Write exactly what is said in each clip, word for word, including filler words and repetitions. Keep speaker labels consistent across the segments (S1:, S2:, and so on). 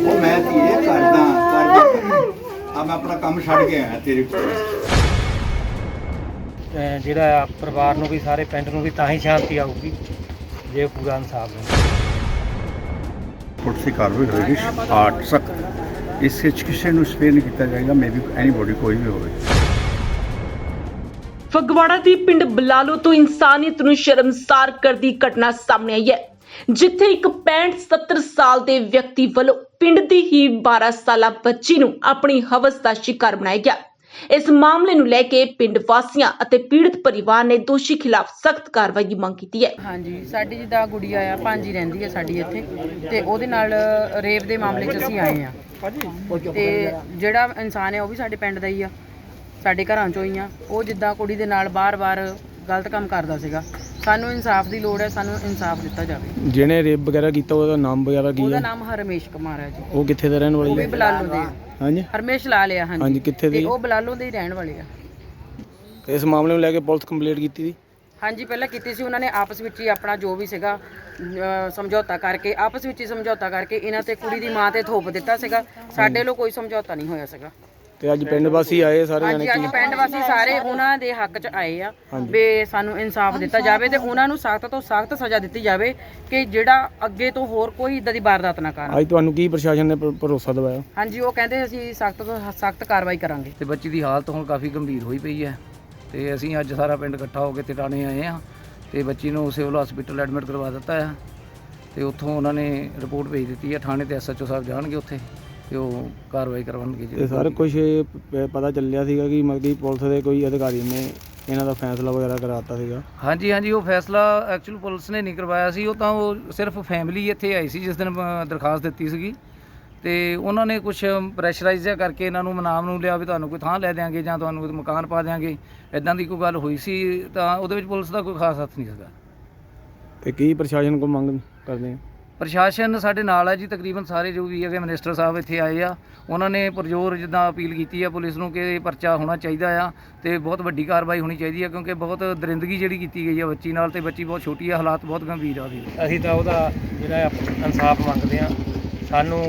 S1: ਉਹ ਮੈਂ ਧੀਏ ਕਰਦਾ ਕਰਦਾ ਆ ਮੈਂ ਆਪਣਾ ਕੰਮ ਛੱਡ ਕੇ ਆਇਆ ਤੇਰੇ ਕੋਲ।
S2: ਜਿਹੜਾ ਪਰਿਵਾਰ ਨੂੰ ਵੀ ਸਾਰੇ ਪਿੰਡ ਨੂੰ ਵੀ ਤਾਂ ਹੀ ਸ਼ਾਂਤੀ ਆਊਗੀ ਜੇ ਪੂਰਾ ਇਨਸਾਫ ਮਿਲੇ।
S1: ਪੁਲਿਸ ਦੀ ਕਾਰਵਾਈ ਹੋਏਗੀ ਆਠ ਸਖਤ। ਇਸ ਵਿੱਚ ਕਿਸੇ ਨੂੰ ਸਪੇਅਰ ਨਹੀਂ ਕੀਤਾ ਜਾਏਗਾ, ਮੇ ਬੀ ਐਨੀਬੋਡੀ ਕੋਈ ਵੀ ਹੋਵੇ।
S3: ਫਗਵਾੜਾ ਦੀ ਪਿੰਡ ਬਲਾਲੋ ਤੋਂ ਇਨਸਾਨੀਅਤ ਨੂੰ ਸ਼ਰਮਸਾਰ ਕਰਦੀ ਘਟਨਾ ਸਾਹਮਣੇ ਆਈ ਹੈ, ਜਿੱਥੇ ਇੱਕ ਪੈਂਹਠ ਸੱਤਰ ਸਾਲ ਦੇ ਵਿਅਕਤੀ ਵੱਲੋਂ ਪਿੰਡ ਦੀ ਹੀ ਬਾਰਾਂ ਸਾਲਾ ਬੱਚੀ ਨੂੰ ਆਪਣੀ ਹਵਸ ਦਾ ਸ਼ਿਕਾਰ ਬਣਾਇਆ ਗਿਆ। ਇਸ ਮਾਮਲੇ ਨੂੰ ਲੈ ਕੇ ਪਿੰਡ ਵਾਸੀਆਂ ਅਤੇ ਪੀੜਤ ਪਰਿਵਾਰ ਨੇ ਦੋਸ਼ੀ ਖਿਲਾਫ ਸਖਤ ਕਾਰਵਾਈ ਦੀ ਮੰਗ ਕੀਤੀ ਹੈ।
S4: ਹਾਂਜੀ, ਸਾਡੀ ਜਿੱਦਾਂ ਗੁੜੀਆ ਆ ਭਾਂਜੀ ਰਹਿੰਦੀ ਹੈ ਸਾਡੀ ਇੱਥੇ, ਤੇ ਉਹਦੇ ਨਾਲ ਰੇਪ ਦੇ ਮਾਮਲੇ 'ਚ ਅਸੀਂ ਆਏ ਆ। ਤੇ ਜਿਹੜਾ ਇਨਸਾਨ ਹੈ ਉਹ ਵੀ ਸਾਡੇ ਪਿੰਡ ਦਾ ਹੀ ਆ, ਸਾਡੇ ਘਰਾਂ 'ਚੋਂ ਹੀ ਆ। ਉਹ ਜਿੱਦਾਂ ਕੁੜੀ ਦੇ ਨਾਲ ਬਾਰ-ਬਾਰ ਗਲਤ ਕੰਮ ਕਰਦਾ ਸੀਗਾ। ਸਾਨੂੰ ਇਨਸਾਫ ਦੀ ਲੋੜ ਹੈ, ਸਾਨੂੰ ਇਨਸਾਫ ਦਿੱਤਾ ਜਾਵੇ।
S2: ਜਿਹਨੇ ਰੇਪ ਵਗੈਰਾ ਕੀਤਾ ਉਹਦਾ ਨਾਮ ਵਗੈਰਾ ਕੀ ਹੈ?
S4: ਉਹਦਾ ਨਾਮ ਹਰਮੇਸ਼ ਕੁਮਾਰ ਹੈ ਜੀ।
S2: ਉਹ ਕਿੱਥੇ ਦਾ ਰਹਿਣ
S4: ਉਹ ਵੀ
S2: ਵਾਲੀ ਹੈ?
S4: ਬਲਾਲੋ ਦੇ।
S2: ਹਾਂਜੀ,
S4: ਹਰਮੇਸ਼ ਲਾ ਲਿਆ।
S2: ਹਾਂਜੀ,
S4: ਹਾਂਜੀ,
S2: ਕਿੱਥੇ
S4: ਤੇ
S2: ਦੇ?
S4: ਉਹ ਬਲਾਲੋ ਦੇ ਹੀ ਰਹਿਣ ਵਾਲੇ ਆ।
S2: ਇਸ ਮਾਮਲੇ ਨੂੰ ਲੈ ਕੇ ਪੁਲਿਸ ਕੰਪਲੇਂਟ ਕੀਤੀ ਸੀ?
S4: ਹਾਂਜੀ, ਪਹਿਲਾਂ ਕੀਤੀ ਸੀ। ਉਹਨਾਂ ਨੇ ਆਪਸ ਵਿੱਚ ਹੀ ਆਪਣਾ ਜੋ ਵੀ ਸੀਗਾ ਅਹ ਸਮਝੌਤਾ ਕਰਕੇ ਆਪਸ ਵਿੱਚ ਹੀ ਸਮਝੌਤਾ ਕਰਕੇ ਇਹਨਾਂ ਤੇ ਕੁੜੀ ਦੀ ਮਾਂ ਤੇ ਥੋਪ ਦਿੱਤਾ ਸੀਗਾ। ਸਾਡੇ ਵੱਲੋਂ ਕੋਈ ਸਮਝੌਤਾ ਨਹੀਂ ਹੋਇਆ ਸੀਗਾ।
S2: ਤੇ ਅੱਜ ਪਿੰਡ ਵਾਸੀ ਆਏ ਸਾਰੇ
S4: ਹਾਂਜੀ,
S2: ਜਾਣੇ
S4: ਅੱਜ ਪਿੰਡ ਵਾਸੀ ਸਾਰੇ ਉਹਨਾਂ ਦੇ ਹੱਕ 'ਚ ਆਏ ਆ ਵੀ ਸਾਨੂੰ ਇਨਸਾਫ ਦਿੱਤਾ ਜਾਵੇ ਤੇ ਉਹਨਾਂ ਨੂੰ ਸਖਤ ਤੋਂ ਸਖਤ ਸਜ਼ਾ ਦਿੱਤੀ ਜਾਵੇ ਕਿ ਜਿਹੜਾ ਅੱਗੇ ਤੋਂ ਹੋਰ ਕੋਈ ਇਦਾਂ ਦੀ ਵਾਰਦਾਤ ਨਾ ਕਰਨ।
S2: ਅੱਜ ਤੁਹਾਨੂੰ ਕੀ ਪ੍ਰਸ਼ਾਸਨ ਨੇ ਭ- ਭਰੋਸਾ ਦਿਵਾਇਆ?
S4: ਹਾਂਜੀ, ਉਹ ਕਹਿੰਦੇ ਅਸੀਂ ਸਖਤ ਤੋਂ ਸਖਤ ਕਾਰਵਾਈ ਕਰਾਂਗੇ।
S5: ਤੇ ਬੱਚੀ ਦੀ ਹਾਲਤ ਹੁਣ ਕਾਫੀ ਗੰਭੀਰ ਹੋਈ ਪਈ ਹੈ ਤੇ ਅਸੀਂ ਅੱਜ ਸਾਰਾ ਪਿੰਡ ਇਕੱਠਾ ਹੋ ਕੇ ਟਿਕਾਣੇ ਆਏ ਹਾਂ ਤੇ ਬੱਚੀ ਨੂੰ ਸਿਵਲ ਹਸਪੀਟਲ ਐਡਮਿਟ ਕਰਵਾ ਦਿੱਤਾ ਹੈ ਤੇ ਉੱਥੋਂ ਉਹਨਾਂ ਨੇ ਰਿਪੋਰਟ ਭੇਜ ਦਿੱਤੀ ਹੈ ਥਾਣੇ ਤੇ। ਐਸ ਐਚ ਓ ਸਾਹਿਬ ਜਾਣਗੇ ਉੱਥੇ ਤੇ ਉਹ ਕਾਰਵਾਈ ਕਰਵਾਉਣਗੇ।
S2: ਤੇ ਸਾਰਾ ਕੁਝ ਪਤਾ ਚੱਲਿਆ ਸੀਗਾ ਕਿ ਮਤਲਬ ਕਿ ਪੁਲਿਸ ਦੇ ਕੋਈ ਅਧਿਕਾਰੀ ਨੇ ਇਹਨਾਂ ਦਾ ਫੈਸਲਾ ਵਗੈਰਾ ਕਰਾਤਾ ਸੀਗਾ?
S5: ਹਾਂਜੀ ਹਾਂਜੀ, ਉਹ ਫੈਸਲਾ ਐਕਚੁਅਲ ਪੁਲਿਸ ਨੇ ਨਹੀਂ ਕਰਵਾਇਆ ਸੀ। ਉਹ ਤਾਂ ਉਹ ਸਿਰਫ ਫੈਮਿਲੀ ਇੱਥੇ ਆਈ ਸੀ ਜਿਸ ਦਿਨ ਅ, ਦਰਖਾਸਤ ਦਿੱਤੀ ਸੀਗੀ ਤੇ ਉਹਨਾਂ ਨੇ ਕੁਝ ਪ੍ਰੈਸ਼ਰਾਈਜ਼ ਜਿਹਾ ਕਰਕੇ ਇਹਨਾਂ ਨੂੰ ਮਨਾਮ ਨੂੰ ਲਿਆ ਵੀ ਤੁਹਾਨੂੰ ਕੋਈ ਥਾਂ ਲੈ ਦਿਆਂਗੇ ਜਾਂ ਤੁਹਾਨੂੰ ਕੋਈ ਮਕਾਨ ਪਾ ਦਿਆਂਗੇ, ਇੱਦਾਂ ਦੀ ਕੋਈ ਗੱਲ ਹੋਈ ਸੀ। ਤਾਂ ਉਹਦੇ ਵਿੱਚ ਪੁਲਿਸ ਦਾ ਕੋਈ ਖਾਸ ਹੱਥ ਨਹੀਂ ਸੀਗਾ।
S2: ਤੇ ਕੀ ਪ੍ਰਸ਼ਾਸਨ ਕੋਲ ਮੰਗ ਕਰਦੇ ਆ?
S5: ਪ੍ਰਸ਼ਾਸਨ ਸਾਡੇ ਨਾਲ ਹੈ ਜੀ, ਤਕਰੀਬਨ ਸਾਰੇ ਜੋ ਵੀ ਹੈਗੇ ਮਿਨਿਸਟਰ ਸਾਹਿਬ ਇੱਥੇ ਆਏ ਆ। ਉਹਨਾਂ ਨੇ ਪੁਰਜ਼ੋਰ ਜਿੱਦਾਂ ਅਪੀਲ ਕੀਤੀ ਆ ਪੁਲਿਸ ਨੂੰ ਕਿ ਪਰਚਾ ਹੋਣਾ ਚਾਹੀਦਾ ਆ ਤੇ ਬਹੁਤ ਵੱਡੀ ਕਾਰਵਾਈ ਹੋਣੀ ਚਾਹੀਦੀ ਆ, ਕਿਉਂਕਿ ਬਹੁਤ ਦਰਿੰਦਗੀ ਜਿਹੜੀ ਕੀਤੀ ਗਈ ਆ ਬੱਚੀ ਨਾਲ ਤੇ ਬੱਚੀ ਬਹੁਤ ਛੋਟੀ ਆ, ਹਾਲਾਤ ਬਹੁਤ ਗੰਭੀਰ ਆ ਉਹਦੀ।
S2: ਅਸੀਂ ਤਾਂ ਉਹਦਾ ਜਿਹੜਾ ਇਨਸਾਫ ਮੰਗਦੇ ਆ। ਸਾਨੂੰ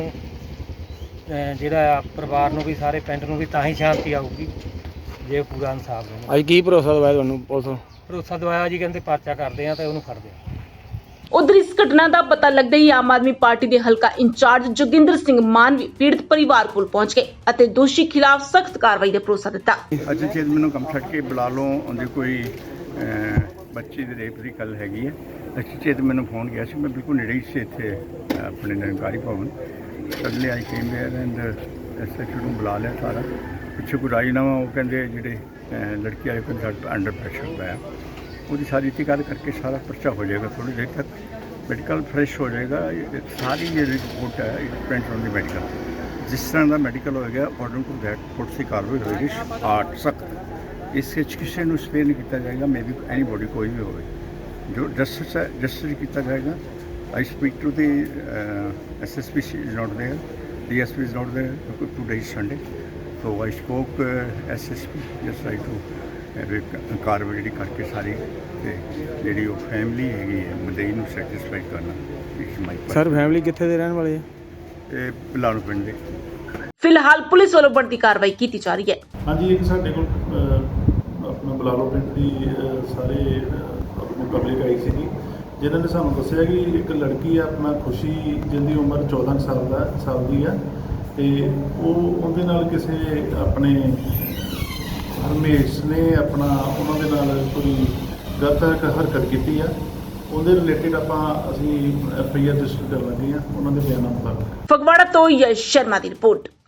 S2: ਅਹ ਜਿਹੜਾ ਪਰਿਵਾਰ ਨੂੰ ਵੀ ਸਾਰੇ ਪਿੰਡ ਨੂੰ ਵੀ ਤਾਂ ਹੀ ਸ਼ਾਂਤੀ ਆਊਗੀ ਜੇ ਪੂਰਾ ਇਨਸਾਫ ਮਿਲੇ। ਅੱਜ ਕੀ ਭਰੋਸਾ ਦਵਾਇਆ ਤੁਹਾਨੂੰ ਪੁਲਿਸ? ਭਰੋਸਾ ਦਵਾਇਆ ਜੀ, ਕਹਿੰਦੇ ਪਰਚਾ ਕਰਦੇ ਆ ਤੇ ਉਹਨੂੰ ਫੜਦੇ ਆ।
S3: ਉਧਰ ਇਸ ਘਟਨਾ ਦਾ ਪਤਾ ਲੱਗਦੇ ਹੀ ਆਮ ਆਦਮੀ ਪਾਰਟੀ ਦੇ ਹਲਕਾ ਇੰਚਾਰਜ ਜੋਗਿੰਦਰ ਸਿੰਘ ਮਾਨ ਵੀ ਪੀੜਤ ਪਰਿਵਾਰ ਕੋਲ ਪਹੁੰਚ ਗਏ ਅਤੇ ਦੋਸ਼ੀ ਖਿਲਾਫ ਸਖਤ ਕਾਰਵਾਈ ਦਾ ਭਰੋਸਾ ਦਿੱਤਾ।
S1: ਅੱਜ ਜੇ ਮੈਨੂੰ ਕੰਮ ਛੱਡ ਕੇ ਬੁਲਾ ਲਓ, ਉਹਦੇ ਕੋਈ ਅਹ, ਬੱਚੀ ਦੇ ਰੇਪ ਦੀ ਗੱਲ ਹੈਗੀ ਹੈ। ਅੱਛੀ ਚੇਤ ਮੈਨੂੰ ਫੋਨ ਗਿਆ ਸੀ, ਮੈਂ ਬਿਲਕੁਲ ਨੇੜੇ ਹੀ ਸੀ ਇੱਥੇ ਆਪਣੇ Nirankari Bhawan. Suddenly I came there and S H O ਨੂੰ ਬੁਲਾ ਲਿਆ ਸਾਰਾ। ਪਿੱਛੇ ਕੋਈ ਰਾਜੀਨਾਮਾ ਉਹ ਕਹਿੰਦੇ ਜਿਹੜੇ ਅਹ, ਲੜਕੀ ਵਾਲੇ ਕੋਲ ਅੰਡਰ ਪ੍ਰੈਸ਼ਰ ਪਾਇਆ, ਉਹਦੀ ਸਾਰੀ ਤਹਿਕੀਕਾਤ ਕਰਕੇ ਸਾਰਾ ਪਰਚਾ ਹੋ ਜਾਏਗਾ। ਥੋੜੀ ਦੇਰ ਤੱਕ ਮੈਡੀਕਲ ਫਰੈਸ਼ ਹੋ ਜਾਏਗਾ। ਸਾਰੀ ਜਿਹੜੀ ਰਿਪੋਰਟ ਹੈ it depends on the medical. ਜਿਸ ਤਰ੍ਹਾਂ ਦਾ ਮੈਡੀਕਲ ਹੋਏਗਾ ਅਕੋਰਡਿੰਗ ਟੂ ਦੈਟ ਪੁਲਿਸ ਦੀ ਕਾਰਵਾਈ ਹੋਏਗੀ ਆਠ ਸਖਤ। ਇਸ ਵਿੱਚ ਕਿਸੇ ਨੂੰ ਸਪੇਅਰ ਨਹੀਂ ਕੀਤਾ ਜਾਏਗਾ, ਮੇ ਬੀ ਐਨੀਬੋਡੀ ਕੋਈ ਵੀ ਹੋਵੇ। ਜੋ ਜਸਟਿਸ ਹੈ ਜਸਟਿਸ ਕੀਤਾ ਜਾਏਗਾ। I speak to the S S P is not there, D S P is not there, today is Sunday. So I spoke S S P just right to ਕਾਰਵਾਈ ਜਿਹੜੀ ਕਰਕੇ ਸਾਰੀ ਤੇ ਜਿਹੜੀ ਉਹ ਫੈਮਿਲੀ ਹੈਗੀ ਹੈ ਮਦਈ ਨੂੰ ਸੈਟੀਸਫਾਈ ਕਰਨਾ। ਇਟਸ ਮਾਈ
S2: ਸਰ ਫੈਮਿਲੀ ਕਿੱਥੇ ਦੇ ਰਹਿਣ ਵਾਲੇ ਆ?
S1: ਇਹ ਬਲਾਲੋ ਪਿੰਡ ਦੇ।
S3: ਫਿਲਹਾਲ ਪੁਲਿਸ ਵੱਲੋਂ ਬਣਦੀ ਕਾਰਵਾਈ ਕੀਤੀ ਜਾ ਰਹੀ ਹੈ।
S6: ਹਾਂਜੀ, ਇੱਕ ਸਾਡੇ ਕੋਲ ਅਹ, ਆਪਣਾ ਬਲਾਲੋ ਪਿੰਡ ਦੀ ਅਹ, ਸਾਰੇ ਅਹ, ਆਪਣੀ ਪਬਲਿਕ ਆਈ ਸੀਗੀ, ਜਿਨ੍ਹਾਂ ਨੇ ਸਾਨੂੰ ਦੱਸਿਆ ਕਿ ਇੱਕ ਲੜਕੀ ਆ ਆਪਣਾ ਖੁਸ਼ੀ, ਜਿਹਦੀ ਉਮਰ ਚੌਦਾਂ ਸਾਲ ਦਾ ਸਾਲ ਦੀ ਆ, ਤੇ ਉਹ ਉਹਦੇ ਨਾਲ ਕਿਸੇ ਆਪਣੇ ਹਰਮੇਸ਼ ਨੇ ਆਪਣਾ ਉਹਨਾਂ ਦੇ ਨਾਲ ਕੋਈ ਗਲਤ ਹਰਕਤ ਕੀਤੀ ਆ। ਉਹਦੇ ਰਿਲੇਟਿਡ ਆਪਾਂ ਅਸੀਂ ਐਫ ਆਈ ਆਰ ਰਜਿਸਟਰ ਕਰ ਲੱਗੇ ਆ ਉਹਨਾਂ ਦੇ ਬਿਆਨਾਂ ਮੁਤਾਬਕ।
S3: ਫਗਵਾੜਾ ਤੋਂ ਯਸ਼ ਸ਼ਰਮਾ ਦੀ ਰਿਪੋਰਟ।